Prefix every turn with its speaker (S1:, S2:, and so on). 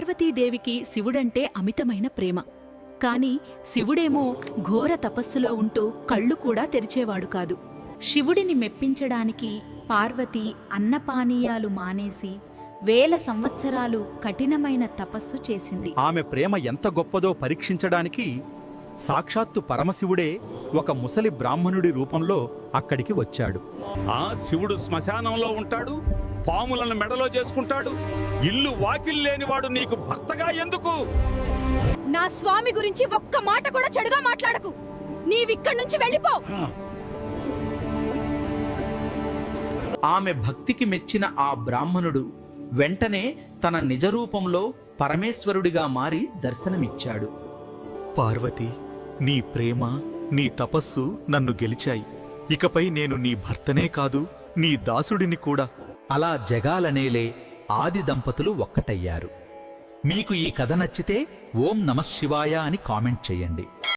S1: పార్వతీదేవికి శివుడంటే అమితమైన ప్రేమ. కాని శివుడేమో ఘోర తపస్సులో ఉంటూ కళ్ళు కూడా తెరిచేవాడు కాదు. శివుడిని మెప్పించడానికి పార్వతి అన్నపానీయాలు మానేసి వేల సంవత్సరాలు కఠినమైన తపస్సు చేసింది.
S2: ఆమె ప్రేమ ఎంత గొప్పదో పరీక్షించడానికి సాక్షాత్తు పరమశివుడే ఒక ముసలి బ్రాహ్మణుడి రూపంలో అక్కడికి వచ్చాడు.
S3: ఆ శివుడు శ్మశానంలో ఉంటాడు, పాములను మెడలో చేసుకుంటాడు. ఇల్లు వాకిల్లేనివాడు నీకు భర్తగా ఎందుకు?
S4: నా స్వామి గురించి ఒక్క మాట కూడా చెడుగా మాట్లాడకు. నీవిక్కడి నుంచి వెళ్ళిపో.
S5: ఆమె భక్తికి మెచ్చిన ఆ బ్రాహ్మణుడు వెంటనే తన నిజరూపంలో పరమేశ్వరుడిగా మారి దర్శనమిచ్చాడు.
S2: పార్వతి, నీ ప్రేమ, నీ తపస్సు నన్ను గెలిచాయి. ఇకపై నేను నీ భర్తనే కాదు, నీ దాసుడిని కూడా.
S5: అలా జగాలనేలే ఆది దంపతులు ఒక్కటయ్యారు. మీకు ఈ కథ నచ్చితే ఓం నమః శివాయ అని కామెంట్ చేయండి.